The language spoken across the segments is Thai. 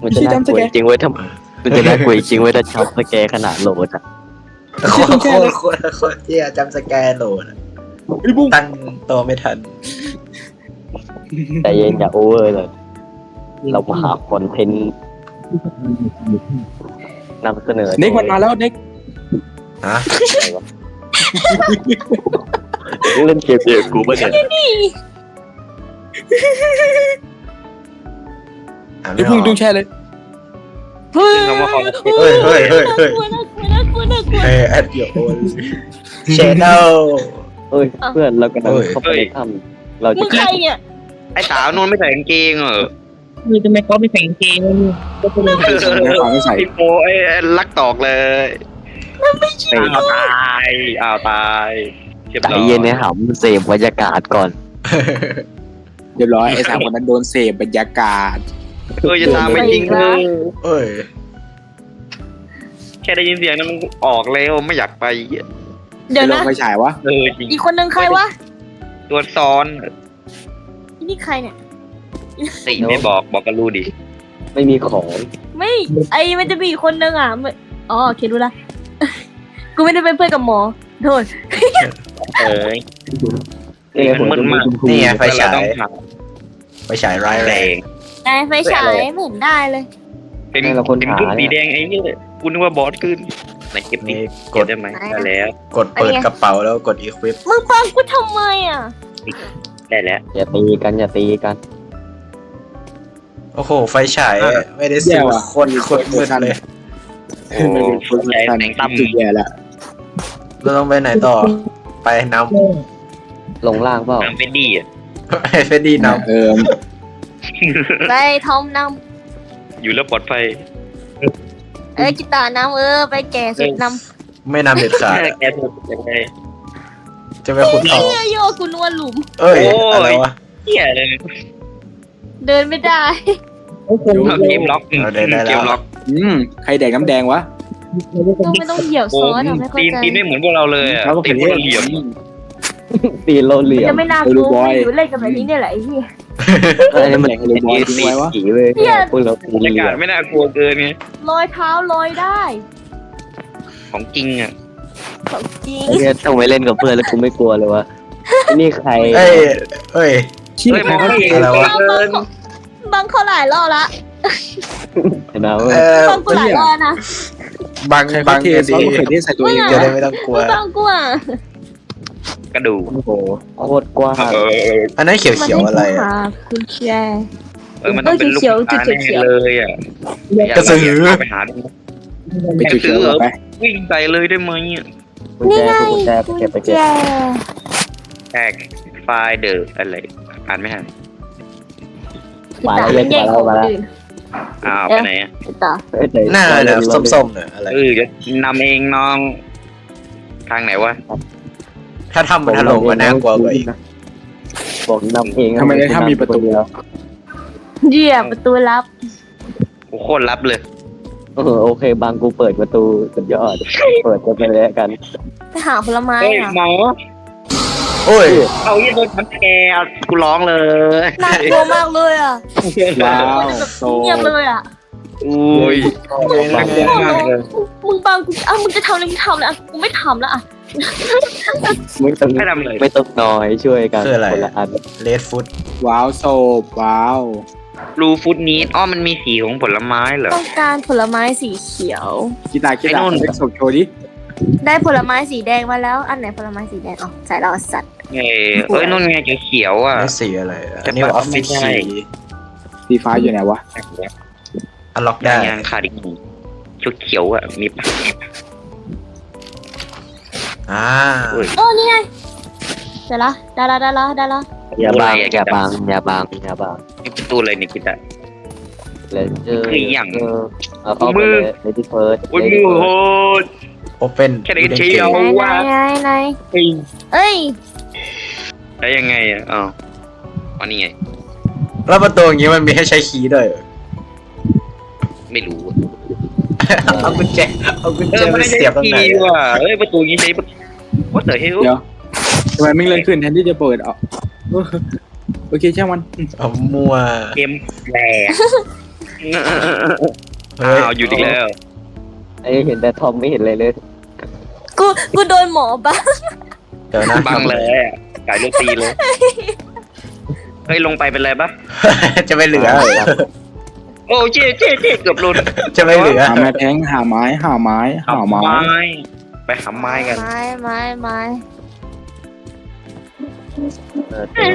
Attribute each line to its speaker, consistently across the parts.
Speaker 1: มันจะน่ากลัวจริงเว้ยถ้ามันจะน่ากลัวจริงเว้ยถ้าจับสแกร์ขนาดโหลดอะ
Speaker 2: โคตรเที่ยจำสแกนโหลด
Speaker 3: ไอ้บุ้ง
Speaker 2: ตั้งตัวไม่ทัน
Speaker 1: แต่เย็นอย่าโอเวอร์เลยเรามาหาคอนเทนต์นำเสนอ
Speaker 3: เน็กมันมาแล้วเน็ก
Speaker 2: ฮะ
Speaker 1: เล่นเกมเดียวกูป่ะเนี่ย
Speaker 3: ไอ้บุ้งดุ้งแช่เลย
Speaker 4: เฮ้ย
Speaker 2: เฮ้ย
Speaker 4: น่ากลัว
Speaker 2: เฮ้ยแอดโยนเชนเนล
Speaker 1: เอ้ยเพื่อนเรากำลังเข้าไปในถ้ำเรา
Speaker 4: มึ
Speaker 1: จะ
Speaker 4: งใครเนี่ย
Speaker 5: ไอ้สาวนู่นไม่ใส่กางเกงเหรอ
Speaker 6: คือทำไมเขาไม่ใส่กางเกงก็เป็น
Speaker 3: ไม่ใส่
Speaker 5: ไอ้โปไอ้ลักตอกเลยอ้าวตายอ้าวตายเรียบ
Speaker 1: ใจ
Speaker 5: ร้อย
Speaker 1: เย็นนะหำเสพบรรยากาศก่อน
Speaker 3: เรียบร้อยไอ้สามคนนั้นโดนเสพบรรยากาศ
Speaker 5: จะตามไม่จริงเลย
Speaker 2: เอ้ย
Speaker 5: แค่ได้ยินเสียงนั้นมันออกแล้วไม่อยากไป
Speaker 4: เดี๋ยว
Speaker 3: ล
Speaker 4: นะ
Speaker 3: งไปฉายวะ
Speaker 5: จริง
Speaker 4: อีกคนนึงใครวะ
Speaker 5: ตัวซ้อน
Speaker 4: นี่ใครเนี่ย
Speaker 5: สิไม่บอกกันรู้ดิ
Speaker 1: ไม่มีของ
Speaker 4: ไม่ไอมันจะมีอีกคนนึงอ่ะอ๋อโอเครู้ละ กูไม่ได้เป็นเพื่อนกับหมอโทษ
Speaker 5: เอ้ย
Speaker 1: ผม
Speaker 5: มันมาก
Speaker 2: นี่ไงไฟฉาย
Speaker 5: ต้องหา
Speaker 2: ไฟฉายร้าย
Speaker 5: แร
Speaker 2: แรง
Speaker 5: ง
Speaker 4: นายไฟฉายไม่เห็นได้เลย
Speaker 5: เป็นขึ้นสีแดงไอ้นี่กูนึกว่าบอสขึ้นไหนเก็บนี่
Speaker 2: นี่ก
Speaker 5: เก็บ
Speaker 2: ด
Speaker 5: ได้ไหมได้แล้ว
Speaker 2: กดเปิดกระเป๋าแล้วกดอีควิป
Speaker 4: มึงฟังกูทำไมอ่ะ
Speaker 5: ได้แล้ว
Speaker 1: อย่าตีกันอย่าตีกัน
Speaker 2: โอ้โหไฟฉายไม่ได้สิคนมืดเลย
Speaker 5: โอ้
Speaker 3: ไม่เป็นคน
Speaker 5: ใจ
Speaker 3: สำคัญ
Speaker 5: แสงตั้ม
Speaker 3: จุดแย่ละ
Speaker 2: เราต้องไปไหนต่อ ไปน
Speaker 1: ลงล่างเปล่า
Speaker 5: น้ำเป็นดีอ่ะ
Speaker 2: ำให้เฟดดี้น
Speaker 4: ไปทอมน
Speaker 5: อยู่แล้วปลอดภัย
Speaker 4: ำกีตาร์นำไปแก่สุดน
Speaker 2: ำไม่นำเด็ดขาด
Speaker 5: แกถูกยังไง
Speaker 2: จะไปขุด
Speaker 4: ำ
Speaker 2: ทอง
Speaker 4: เนี่ยโยกูนวลหลุม
Speaker 2: เอ้ยอะไรวะ
Speaker 5: เหี้ยเลย
Speaker 4: เดินไม่ได้
Speaker 5: เอาเกมล็อกเกมล็อก
Speaker 3: ใครแดกน้ำแดงวะ
Speaker 4: ไม่ต้องเหยียบ
Speaker 5: โอ้
Speaker 4: ซ้อนอะไม่เข้า
Speaker 5: ตีน
Speaker 4: ใจ
Speaker 5: ตีนไม่เหมือนพวกเราเลยอ่ะ
Speaker 3: แล้วก็
Speaker 5: ตี
Speaker 3: เป็น
Speaker 5: นพวกเราเหลี่ยม
Speaker 1: ตีโลเหลี่ย
Speaker 4: จะ
Speaker 1: ม
Speaker 4: ไม่น่ากลัวไม่อยู่เล่นกันแบบนี้เนี่ยแหละไอ้เหี้ย
Speaker 1: อันนี้มันเป็นสีผีเว้ยพวกเราตี
Speaker 5: บรร
Speaker 1: เหลี่
Speaker 5: ยาย กาศ
Speaker 1: ม
Speaker 5: ไม่น่ากลัวเกินไง
Speaker 4: ลอยเท้าลอยได้
Speaker 5: ของจริงอ่ะ
Speaker 4: ของจริง
Speaker 1: เนี่ยต้องไปเล่นกับเพื่อนแล้วกูไม่กลัวเลยวะนี่ใคร
Speaker 2: เอ้ย
Speaker 3: ขี้ใครเขาเก
Speaker 2: อะไรวะ
Speaker 4: บังเขาหลายรอบละ
Speaker 1: นะ
Speaker 4: บังกูหลายรอบนะ
Speaker 2: บัง
Speaker 3: ใคร
Speaker 2: บั
Speaker 3: เขา
Speaker 2: ง
Speaker 3: เท
Speaker 2: กัน
Speaker 3: ซอ
Speaker 2: ดี
Speaker 3: สมะเขือเทศใส่ตัวเอง
Speaker 2: จะได้ไม่ต้องกลัว
Speaker 4: มึงบังกูอ่ะ
Speaker 5: กระดูก
Speaker 1: โอ้โหโคตรกว้าง
Speaker 2: อันนั้นเขียวๆอะไรอ่ะ
Speaker 4: คุณแชร์
Speaker 5: มันต้องเป็นลูกตาแน่เลยอ่ะไปหาดู
Speaker 3: ไปจุดเขียวไป
Speaker 5: วิ่งใส่เลยได้ไหม
Speaker 1: กุญแจกุญแจเก็บไปเก็บ
Speaker 5: แท็กไฟล์เดอร์อะไรอ่านไม่ทัน
Speaker 1: มาแล้วเลยมาแล้วมาแล้ว
Speaker 5: อ้าวไปไหนอ่ะ
Speaker 4: ต่อ
Speaker 2: หน้าเนี่ยส้มๆเนี่ยอะไร
Speaker 5: จะนำเองน้องทางไหนวะ
Speaker 2: ถ้าทำมันถล่มมันน่ากลัวกว่าอีก
Speaker 1: บอกนำเอง
Speaker 3: ทำไมได้ถ้ามีประตู
Speaker 4: เยี่ยมประตูลับ
Speaker 5: โอ้โคตรลับเลย
Speaker 1: โอเคบางกูเปิดประตูสุดยอดเปิดกันไปเลยกัน
Speaker 4: ไปหาผลไม้
Speaker 5: เฮ้ย
Speaker 4: อ่ะ
Speaker 5: หมอ
Speaker 2: โอ้ย
Speaker 5: เอายี่โดนทันแกกูร้องเลย
Speaker 4: น่ากลัวมากเลยอ่ะ
Speaker 3: ว้าวโต
Speaker 4: เงียบเลยอ่ะ
Speaker 5: อุ้ยน่ากลัวมากเลย
Speaker 4: มึงบังกูมึงจะทำอะไรมึงทำเลยอ่ะกูไม่ทำแล้วอ่ะ
Speaker 1: ไม่ต้อง
Speaker 5: ไม่ทำเลย
Speaker 1: ไม่ต้องน้อยช่วยกันคนละอัน
Speaker 2: เลดฟุต
Speaker 3: ว้าวโซบว้าว
Speaker 5: รูฟุตนี้มันมีสีของผลไม้เหรอ
Speaker 4: ต้องการผลไม้สีเขียว
Speaker 3: กีตาร์เล็กศพโชว์ดิ
Speaker 4: ได้ผลไม้สีแดงมาแล้ว อันไหนผลไม้สีแดงอ๋อใส่เราสัตว์
Speaker 5: นู่นไงเขียวอ่ะ
Speaker 2: นี่สีอะไรอันนี้ออฟฟิศคีย์
Speaker 3: สีฟ้าอยู่ไหนวะ
Speaker 2: อันล็อกได้
Speaker 5: ยังขาดอีกเขียวอ่ะมีปะ
Speaker 4: โอ้นี่ไงเสร็จละได้ละ
Speaker 1: อย่าบางอย่าบางอย่าบางอย่าบาง
Speaker 5: ประตูอะไรเนี่ยกิตา
Speaker 1: แล้วเจอเอาเข้าไปเลยในที่เพิร์ด
Speaker 5: โอ้ยมือโหด
Speaker 2: โอเปน
Speaker 5: แค่ได้เชียว
Speaker 4: ไหนเอ้ย
Speaker 5: ได้ยังไงอ่ะอ๋ออันนี้ไง
Speaker 2: แล้วประตูอย่างงี้มันมีให้ใช้คีย์ด้วย
Speaker 5: ไม่รู้
Speaker 2: เอากุญแจไป
Speaker 5: ไม่
Speaker 2: เสียบตรงไหน
Speaker 5: ว่ะประตูนี้ใช้ว่าแต่เฮล
Speaker 3: เดี๋ยวทำไมไม่เลื่อนขึ้นแทนที่จะเปิดอ่ะโอเคช่างมัน
Speaker 2: เอามั่ว
Speaker 5: เกมแหลก
Speaker 2: เฮ้ย
Speaker 5: อ้าวอยู่อีกแล้ว
Speaker 1: ไอ้เห็นแต่ทอมไม่เห็นเลยเลย
Speaker 4: กูโดนหมอบ้า
Speaker 2: เดี๋ยวนะ
Speaker 5: บังเลยอะไก่ลูกตีเลยเฮ้ยลงไปเป็นไรปะ
Speaker 2: จะไม่เหลือ
Speaker 5: โอ้เจ๊เกือบหลุด
Speaker 2: จะไม่เหลือ
Speaker 3: หาไม้แทงหาไม้หาไม้หาไม้
Speaker 5: ไปหาไม้กัน
Speaker 4: ไม้
Speaker 1: เออ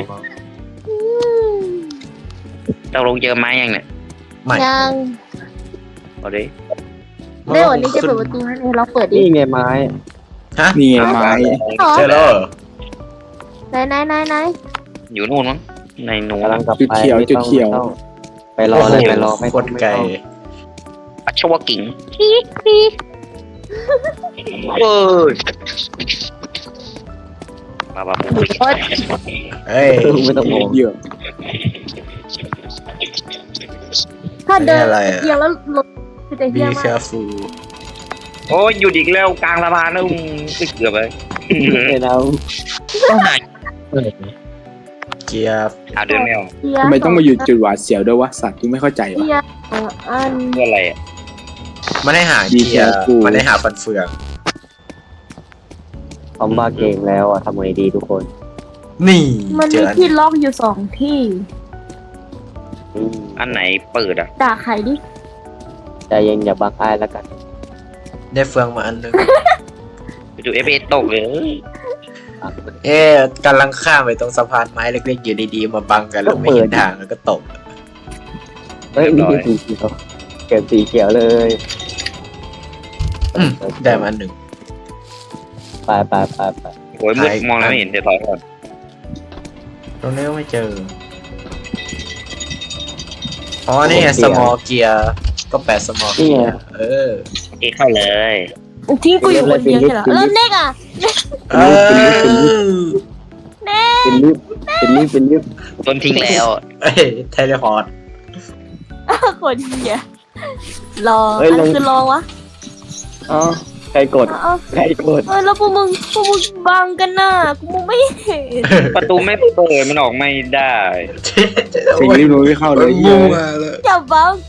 Speaker 5: เราลงเจอไม้ยังเนี่ย
Speaker 2: ไม่
Speaker 4: ยัง
Speaker 5: เอาดิ
Speaker 4: ได้วันนี้จะเปิดประตูให้เราเปิดดิ
Speaker 1: นี่ไงไม้
Speaker 3: นี่ไงไม้
Speaker 2: เจอแล้วเหรอ
Speaker 4: ไหน
Speaker 5: อยู่นู่นมั้งในนู้น
Speaker 1: กำลังกลับ
Speaker 3: จุด
Speaker 1: ไป
Speaker 3: เขียว
Speaker 1: ไม่
Speaker 3: จุด
Speaker 1: ต้อง
Speaker 3: เขียว
Speaker 1: ไปรอเลยไปรอไม่
Speaker 2: โค
Speaker 1: ต้อง
Speaker 2: ตร
Speaker 1: ไม่
Speaker 2: ไกล
Speaker 1: ต้อง
Speaker 5: อัชวกิ่ง
Speaker 4: ปีก
Speaker 5: เอ้ยมาปุ๊บ
Speaker 4: โอ๊ย
Speaker 2: เฮ้ย
Speaker 1: ไม่ต้องมอง
Speaker 3: เยอะ
Speaker 4: ถ้าเดิน
Speaker 2: อันนี้อะไรอะ
Speaker 4: เอียงแล้วลงคือจะเฮี้
Speaker 2: be
Speaker 4: ยมาก
Speaker 2: careful
Speaker 5: โอ้ยอยู่อีกแล้วกลางสะพานนะเกือบไป
Speaker 1: ไอ้เรา
Speaker 2: เกียร์
Speaker 5: เดินไม่ออก
Speaker 4: เฮี้ย
Speaker 3: ทำไมต้องมาอยู่จุดหวาดเสียวด้วยวะสัตว์ที่ไม่เข้าใจวะ
Speaker 4: เฮี้ยอัน
Speaker 5: เพื่ออะไรอ่ะ
Speaker 2: มันให้หา
Speaker 3: Be
Speaker 2: เกียร์
Speaker 3: careful
Speaker 2: มันให้หาฟันเฟือง
Speaker 1: เขามาเก่งแล้วอ่ะทำไงดีทุกคน
Speaker 2: นี่
Speaker 4: มัน
Speaker 2: เจ
Speaker 4: มี
Speaker 2: ออัน
Speaker 4: ที่ล็อกอยู่2 ที่
Speaker 1: อืม
Speaker 5: อันไหนเปิดอ่ะ
Speaker 4: ด่าใครดิ
Speaker 1: ใจเย็นอย่าบังอ้ายแล้วกัน
Speaker 2: ได้เฟืองมาอันนึง
Speaker 5: ไปดูเอฟเอตกเลย
Speaker 2: เอ๊ะกำลังข้ามไปตรงสะพานไม้เล็กๆอยู่ดีๆมาบังกันแล้วไม่เห็นทางแล้วก็ตก
Speaker 1: เฮ้ยมีสีเขียวเก็บสีเขียวเลย
Speaker 2: อืมได้มาอันหนึ่ง
Speaker 1: ไป
Speaker 5: โอ้ยมืดมองแล้วไม่เห็นเดี๋ยวถอยก่อน
Speaker 2: ตรงนี้ก็ไม่เจอ อ๋อนี่ไง small เกียร์ก็แปด small เกียร์เออ
Speaker 5: โอเคเข้าเลย
Speaker 4: ทิ้งกูอยู่คนเดียวใช่เหรอแล้วเน็กอ่ะ
Speaker 2: เออ
Speaker 1: เป็นลิฟต์
Speaker 5: โดนทิ้งแล้ว
Speaker 2: เอ้ยเทเลพอร์ต
Speaker 4: คนเฮี้ยรอ
Speaker 1: เฮ้ย
Speaker 4: อันคือรอวะ
Speaker 1: อ๋อใครกด
Speaker 4: เอา
Speaker 1: ใครกด
Speaker 4: แล้วพวกมึงบังกันน่ะกูมองไม่เห็น
Speaker 5: ประตูไม่เปิดมันออกไม่ได้
Speaker 3: สิ่งที่รู้ไม่เข้าเลยเย
Speaker 2: งู
Speaker 3: อะ
Speaker 2: มาเลย
Speaker 4: อย่าบังกู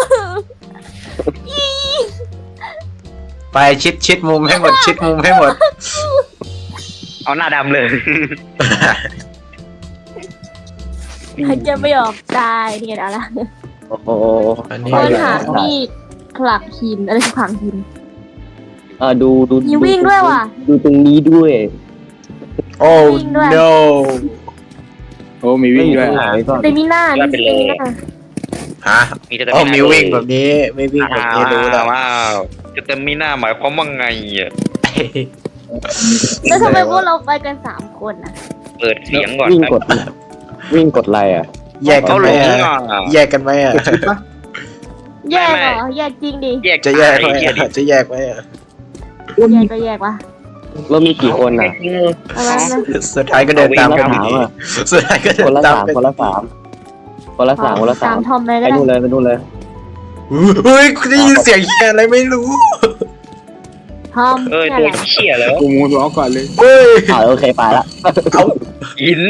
Speaker 2: ไปชิดมุมให้หมดชิดมุมให้หมด
Speaker 5: เอาหน้าดำเลย
Speaker 4: หายใจไม่ออกตายนี่ไงเอาละ
Speaker 1: โอ้โห
Speaker 2: อันนี้
Speaker 4: คนหามีดขลักหินอะไรคือขลังหิน
Speaker 1: ดู
Speaker 4: มีวิ่งด้วยว่ะ
Speaker 1: ดูตรงนี้ด้วย
Speaker 2: โอ้
Speaker 4: วิ่งด้วย
Speaker 2: no
Speaker 3: โอ้มีวิ่งด้วย
Speaker 1: ไม่มีตรงไหนก่อน
Speaker 4: เตมิน่ามีเตมิน่า
Speaker 2: ฮะ
Speaker 5: มีแต่
Speaker 2: โอ้มีวิ่งแบบนี้ไม่วิ่งแบบนี้รู้แล้ว
Speaker 5: ว้าวจะเต็มมีหน้าหมายความว่าไงอ่ะ
Speaker 4: แล้วทำไมพวกเราไปกัน3 คนน่ะ
Speaker 5: เปิดเสียงก่อน
Speaker 1: วิ่ง
Speaker 5: ครับ
Speaker 1: กดอะไรอ่ะ
Speaker 2: แยกกั
Speaker 5: เขา
Speaker 2: น
Speaker 5: ห
Speaker 2: ไห
Speaker 5: ล
Speaker 2: ม
Speaker 5: ง
Speaker 2: อ่ะ
Speaker 5: อ่ะ
Speaker 2: แยกกันไหมอ่ะ
Speaker 4: แยกเหรอแยกจริงดิ
Speaker 5: แยก
Speaker 2: จะแยกไหม
Speaker 5: เกีย
Speaker 2: อ่ะจะแยกไหมอ่ะ
Speaker 4: แยกก็แยกวะ
Speaker 1: เรามีกี่คนอ่ะ
Speaker 4: อะไรนะ
Speaker 2: สุดท้ายก็เดินตามกัน
Speaker 1: คนละ
Speaker 2: ดี
Speaker 1: สามอ่ะ
Speaker 2: สุดท้ายก็เดิ
Speaker 1: คน
Speaker 2: น
Speaker 1: ละ
Speaker 2: ตาม
Speaker 1: สาม
Speaker 2: กัน
Speaker 1: คนละสาม
Speaker 4: ตามทอมเลย
Speaker 1: ไป
Speaker 4: ก็ได้
Speaker 1: นู่นเลย
Speaker 2: เฮ้ยคุณได้ยินเสียงแย่อะไรไม่รู้
Speaker 4: ทอม
Speaker 5: เอ้ย
Speaker 4: แค่
Speaker 5: ตัว
Speaker 4: ไหน
Speaker 5: เชี่ยแล้ว
Speaker 3: กูมูร้องก่อนเลย
Speaker 2: เฮ้ย
Speaker 1: โอเคไปละ
Speaker 5: หิน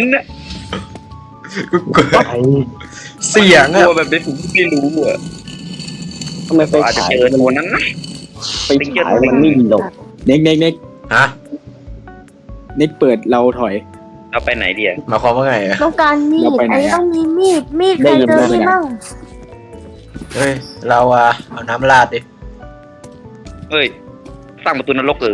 Speaker 2: เสียง
Speaker 5: ตั
Speaker 2: อ่ะ
Speaker 5: วแบบนี้ผมไม่รู้อ่ะ
Speaker 1: ทำไมไฟ
Speaker 5: อาจจะ
Speaker 1: ฉาย
Speaker 5: เจอตัวนั้นนะ
Speaker 1: ไฟฉายมันไม่หลบ
Speaker 3: เน็ก
Speaker 2: ฮะ
Speaker 3: เน็กเปิดเราถอย
Speaker 5: เราไปไหนดีอ่ะ
Speaker 2: หมายความว่าไงอ่ะ
Speaker 4: ต้องการมี
Speaker 3: เรา
Speaker 4: ด
Speaker 3: ไปไหน
Speaker 4: ไอ้
Speaker 3: อะ
Speaker 4: ต้องมีมีดใครเจอมีดมั่ง
Speaker 2: เฮ้ยเราเอาน้ำราดดิ
Speaker 5: เฮ้ยตั้งประตูนรก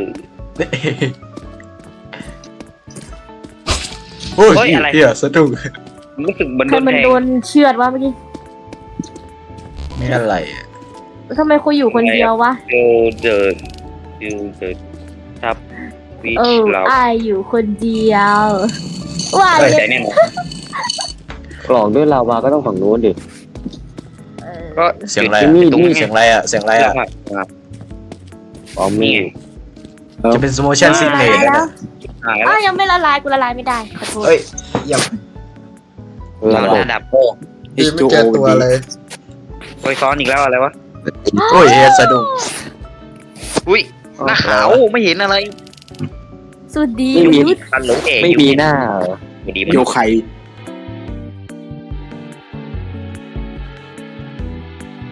Speaker 2: โอ้ย
Speaker 5: เฮ้ยอะไร
Speaker 2: เหี้ยสะดุ้ง
Speaker 5: รู้สึกเหมือน
Speaker 4: ใค
Speaker 5: โด
Speaker 4: ร
Speaker 5: น
Speaker 4: มัน
Speaker 5: แทง
Speaker 4: โดนเชือดวะเมื่อกี้
Speaker 2: นี่อะไรอ่ะ
Speaker 4: ทำไมคุยอยู่คนเดียววะ
Speaker 5: เดินครับวิ
Speaker 4: เอ
Speaker 5: ช
Speaker 4: อ
Speaker 5: เรา
Speaker 4: อายอยู่คนเดียวว่า
Speaker 5: เฮ้ย
Speaker 4: เล
Speaker 5: แต่
Speaker 4: ย
Speaker 5: แน่นอน
Speaker 1: กล่องด้วยลาวาก็ต้องฝั่งนู้นดิ
Speaker 5: ก็
Speaker 2: เสียงอะไร
Speaker 1: นี่
Speaker 2: อ่ะ
Speaker 1: นี่
Speaker 2: เสียงอะไรอ่ะเสียงอะไรอ่ะ
Speaker 1: อ๋อมี
Speaker 5: นี่
Speaker 2: จะเป็น motion
Speaker 4: ละ
Speaker 2: sickness
Speaker 4: ลายแล้ว
Speaker 5: หาย
Speaker 4: อ้า
Speaker 5: แล้ว
Speaker 4: วยังไม่ละลายกูละลายไม่ได้ขอโทษ
Speaker 2: เฮ้ยอย่า
Speaker 1: ระ
Speaker 5: ห
Speaker 1: บบ
Speaker 5: น้าดับโอ้
Speaker 2: ไม่เจอตัวเลย
Speaker 5: โอ้ยซ้อนอีกแล้วอะไรวะ
Speaker 2: โอ้ยเหี้ยสะดุ้ง
Speaker 5: อุ้ยหน้าขาวไม่เห็นอะไร
Speaker 4: สุดดี
Speaker 1: ไม่มี
Speaker 4: ยุทธ
Speaker 5: ตันหลงเอ๋
Speaker 1: ไม่มีหน้าเหรอ
Speaker 5: ไม่ดีมัน
Speaker 3: โยไค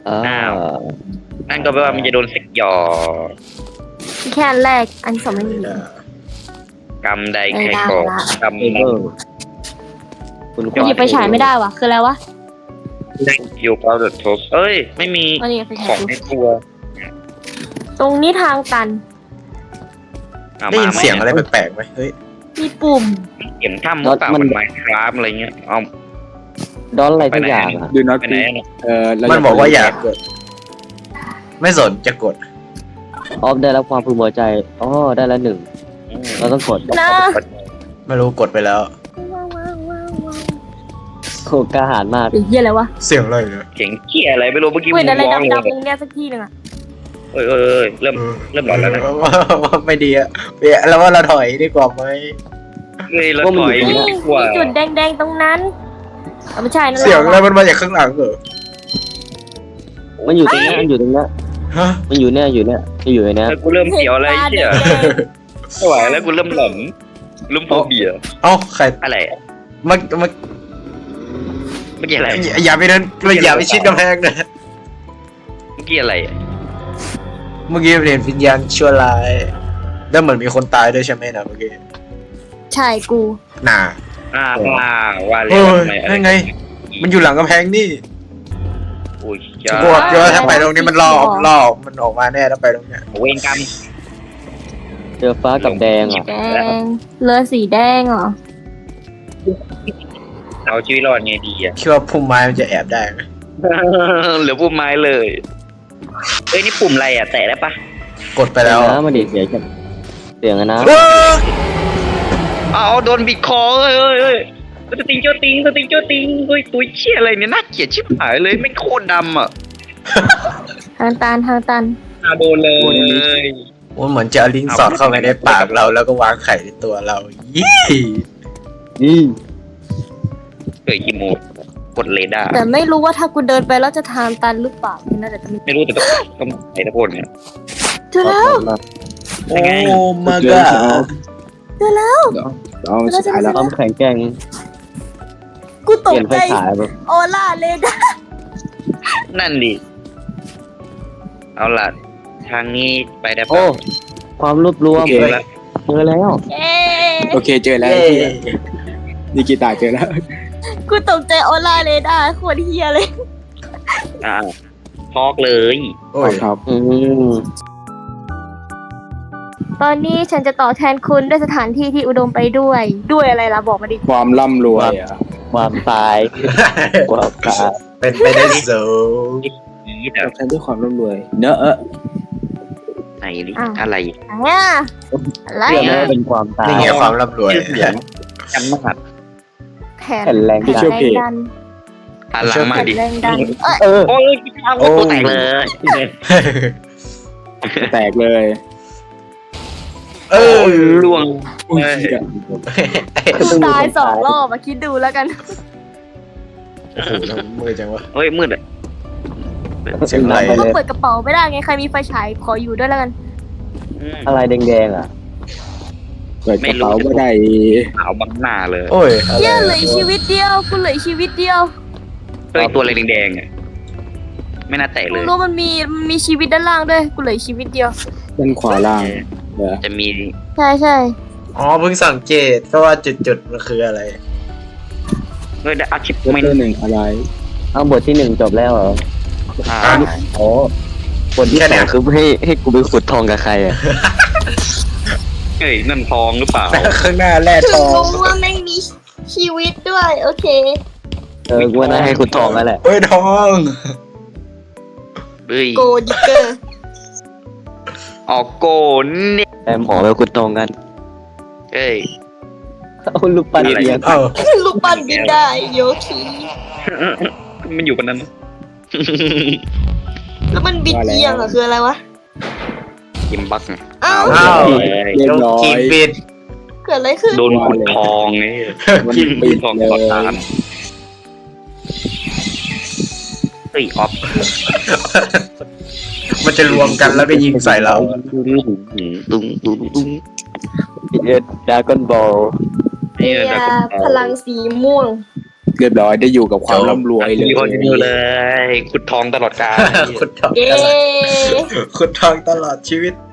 Speaker 1: อ้าว
Speaker 5: นั่นก็แปลว่ามันจะโดนเสกหยอ
Speaker 4: แค่อันแรกอันสองไม่มี
Speaker 5: กรรมใดใครก่อกรรม
Speaker 1: เอ
Speaker 5: นั้น
Speaker 1: อคุณ
Speaker 4: หยิบไปฉายไม่ได้วะคืออะไรวะ
Speaker 5: อยู่กับเดอะทบเอ้ย ไม่มี
Speaker 4: อันนี้ไป
Speaker 5: ข
Speaker 4: ฉา
Speaker 5: อย งในตัว
Speaker 4: ตรงนี้ทางตัน
Speaker 2: ได้ยินเสียงอะไรแปลกๆไหมเฮ้ย
Speaker 4: มีปุ่ม
Speaker 5: เสียงถ้ำหรือเปล่ามันไมค์คราฟอะไรเงี้ยเอา
Speaker 1: ดอนอะไรทุกอย่างอ่ะ
Speaker 3: ดูน็อต
Speaker 5: ไปไหน
Speaker 3: พี
Speaker 5: อะ
Speaker 2: มันบอกว่าอย่ากด ไม่สนจะกด
Speaker 1: ออฟได้รับความพึงพอใจอ๋อได้แล้วหนึ่งเราต้องกด
Speaker 4: นะ
Speaker 2: ไม่รู้กดไปแล้ว
Speaker 1: โคกล้าหาญมาก
Speaker 4: ไอ้เหี้ยอะไรวะ
Speaker 2: เสียงอะไรเนี่ย
Speaker 5: เสียงเกี้ยอะไรไม่รู้เมื่อกี้
Speaker 4: เว้ยอะไร
Speaker 5: ร้องเลย
Speaker 4: ดำๆตรงเนี้ยสักที่หนึ่งอะ
Speaker 5: เอ้ยเริ่มหลอนแล้วนะ
Speaker 2: ไม่ดีอะแล้วว่าเราถอยดีกว่าไหม
Speaker 5: เฮ้ยเราถอย
Speaker 4: นี่
Speaker 5: ดีกว่า
Speaker 4: มีจุดแดงๆตรงนั้นเอาไม่ใช่นั่นแห
Speaker 2: เสียง
Speaker 4: ละ
Speaker 2: อะไรมันมาจากข้างหลังเหรอ
Speaker 1: มันอยู่ตรงเนี้ยมันอยู่ตรงเนี้ย
Speaker 2: ฮะ
Speaker 1: มันอยู่เนี่ยอยู่เนี่ยมันอยู่ในเนี้ย
Speaker 5: แล้วกูเริ่มเสียวอะไร
Speaker 4: ตาแด
Speaker 5: เชี่ย
Speaker 4: ง
Speaker 5: ไม่ไหวแล้วกูเริ่มหลอนเริ่มโฟเบีย
Speaker 2: เอ้าใคร
Speaker 5: อะไร
Speaker 2: มา
Speaker 5: เมื่อกี้อะไร
Speaker 2: อย่าไปเดินอย่าไปชิดกำแพงนะ
Speaker 5: เมื่อกี้อะไร
Speaker 2: เมื่อกี้เห็นวิญญาณชั่วร้ายแล้วเหมือนมีคนตายด้วยใช่ไหมนะเมื่อกี้
Speaker 4: ๆใช่กู
Speaker 2: น่า
Speaker 5: ว่าแล้
Speaker 2: เฮ้
Speaker 5: วย ทำไมอะไร
Speaker 2: นั่นไง มันอยู่หลังกำแพงนี่
Speaker 5: โอ้ย
Speaker 2: จะ
Speaker 5: จ้า
Speaker 2: บวกเยอะถ้าไปตรงนี้มันล่อมันออกมาแน่ถ้าไปตรงเนี้ย
Speaker 5: เวรกรรม
Speaker 1: เจอฟ้ากับแดงอ่ะ
Speaker 4: แดงเรือสีแดงเหรอ
Speaker 5: เอาชีวิตรอดไงดีอ่ะ
Speaker 2: คิดว่าพุ่มไม้มันจะแอบได้ไหม
Speaker 5: เหลือปุ่มไม้เลยเอ้ยนี่ปุ่มอะไรอ่ะแตะได้ปะ
Speaker 2: กดไปแล้ว
Speaker 1: นะมันดีเสียงเสียงอะนะ
Speaker 2: เว้ย
Speaker 5: เอาโดนบิดคอเอ้ยสติงเจ้าติงเฮ้ยตัวเชี่ยอะไรเนี่ยน่าเกลียดชิบหายเลยไม่งโคตรดำอ่ะ
Speaker 4: ทางตัน
Speaker 5: โดนเลย
Speaker 2: มันเหมือนจะเอาลิงก์สอดเข้าไปในปากเราแล้วก็วางไข่ในตัวเรายี่
Speaker 1: นี่
Speaker 5: เฮ้ยกิโมกดเรดาร์
Speaker 4: แต่ไม่รู้ว่าถ้ากูเดินไปแล้วจะทางตันหรือเปล่าน่าจะมี
Speaker 5: ไม่รู้แต่ต้องไหนตะโกนเนี่ย
Speaker 4: เจอแล้ว
Speaker 2: โอ้มา
Speaker 3: เ
Speaker 2: กา
Speaker 3: ดี๋ยวสุดท้ายแล้ว
Speaker 1: ความแข็งแกร่ง
Speaker 4: กู
Speaker 1: เป
Speaker 4: ตก
Speaker 1: ลี่ยนไฟ
Speaker 4: ใจ
Speaker 1: ฉายแบบ
Speaker 4: โอล่าเลยนะ
Speaker 5: นั่นดิเอาล่ะทางนี้ไปได้
Speaker 1: โอ้
Speaker 5: ปะ
Speaker 1: ความรวบรวม
Speaker 3: โอเค
Speaker 1: เจอแล้ว
Speaker 4: เอ๊ะ
Speaker 3: โอเคเจอแล้วนิกิตาเจอแล้ว
Speaker 4: กูตกใจโอล่าเลยนะโคตรเฮียเลย
Speaker 5: ทอกเลย
Speaker 2: โอ้ย
Speaker 3: ครับ
Speaker 1: อืม
Speaker 4: ตอนนี้ฉันจะต่อแทนคุณด้วยสถานที่ที่อุดมไปด้วย ด้วยอะไรล่ะบอกมาดิ
Speaker 3: ความร่ำรวยอ่ะ
Speaker 1: ความตายความตาย
Speaker 2: เป็นไปได้สูง
Speaker 5: นี่แบ
Speaker 3: ต
Speaker 5: บ
Speaker 3: อบแทนด้วยความร่ำรวยเนอะ
Speaker 5: ไหนดิอะไร
Speaker 4: อ่ะอะไร
Speaker 1: เชื่อไหม
Speaker 4: อ่ะ
Speaker 1: ว่าเป็นความตาย
Speaker 2: นี่ไงความร่ำรวย
Speaker 5: ชื่อเสียงจำมาก
Speaker 4: แผน
Speaker 1: แผ่นแรง
Speaker 4: แผน
Speaker 1: ดัน
Speaker 4: แรงดัน
Speaker 5: หันหลังมา
Speaker 4: แผน
Speaker 5: ดิ
Speaker 4: แรงดันเอ้ย
Speaker 1: เออ
Speaker 5: โอ้ยเอาตัวแตกเลย
Speaker 3: แตกเลย
Speaker 2: เออ
Speaker 5: ล่วง
Speaker 3: อุ้ย
Speaker 4: กูตาย2 รอบมาคิดดูแล้วกัน
Speaker 2: โอ้โหมือจังวะ
Speaker 5: เฮ้ยมืดอ่ะ
Speaker 2: เสียงอะไร
Speaker 1: ไป
Speaker 4: ก็
Speaker 1: เลย
Speaker 4: เปิดกระเป๋าไม่ได้ไงใครมีไฟฉายขออยู่ด้วยแล้วกัน
Speaker 1: อะไรแดงๆอ่ะ
Speaker 3: เปิดกระเป๋าไม่ได้
Speaker 5: ขาวบังหน้าเลย
Speaker 2: โอ้ยอะไร
Speaker 4: เหี้ยเหลืออีกชีวิตเดียวกูเหลืออีกชีวิตเดียว
Speaker 5: เฮ้ยตัวอะไรแดงๆอ่ะไม่น่าแตกเล
Speaker 4: มึง
Speaker 5: ย
Speaker 4: รู้มันมีชีวิตด้านล่างด้วยกูเหลืออีกชีวิตเดียว
Speaker 3: ด้านขวาล่างเดี๋ยว
Speaker 5: จะมี
Speaker 4: ใช่ใช่
Speaker 2: อ๋อเพิ่งสังเกตก็ว่าจุดๆมันคืออะไร
Speaker 5: เฮ้ยได้อาชิพ
Speaker 3: เริ่ม
Speaker 5: ไม่
Speaker 3: ต้นหนึ่งอะไร
Speaker 1: เอาบทที่ 1จบแล้วเหรอ
Speaker 5: อ่า
Speaker 1: โอ้บทที่
Speaker 2: แค่ไหน
Speaker 1: 2คือให้กูไปขุดทองกับใครอ่ะ
Speaker 5: เฮ้ยนั่นทองหรือเปล่า
Speaker 2: ข้างหน้าแร่ทอง
Speaker 4: รู้ว่าแม่งมีชีวิตด้วยโอเค
Speaker 1: กูว่าน่าให้ขุดทองแล้วแหละ
Speaker 2: เฮ้ยทอง
Speaker 5: เฮ้ย
Speaker 4: โกดิเกอร์
Speaker 5: ออกโกนเนี่ย
Speaker 1: แต่หมอไปขุดทองกัน
Speaker 5: เฮ้ย
Speaker 1: เอาลูกปั้นเอียง
Speaker 2: เอ้า
Speaker 4: ลูกปั้นบินได้โยคี
Speaker 5: มันอยู่กันนั้น
Speaker 4: แล้วมันบิดเอียงอะคืออะไรวะ
Speaker 5: กิมบัก
Speaker 4: อ้าว
Speaker 2: อ้าว
Speaker 3: เรียบร้อย
Speaker 2: กินปิด
Speaker 4: เกิดอะไรขึ้น
Speaker 5: โดนขุดทองไง
Speaker 3: มัน
Speaker 5: กิน
Speaker 3: ปิด
Speaker 5: ทอง
Speaker 3: เลย
Speaker 5: ต่อตานเฮ้ยออฟ
Speaker 2: มันจะรวมกันแล้วก็ยิงใส่เรา
Speaker 5: ตุ้ง
Speaker 1: เอ็ดดากอนบอล
Speaker 4: เอียพลังสีม่วง
Speaker 3: เรียบร้อยได้อยู่กับความร่ำรวยเลย
Speaker 5: มีคนอยู่เลยขุดทองตลอดกาล
Speaker 2: ขุดทอง
Speaker 4: เย้
Speaker 2: ขุดทองตลอดชีวิต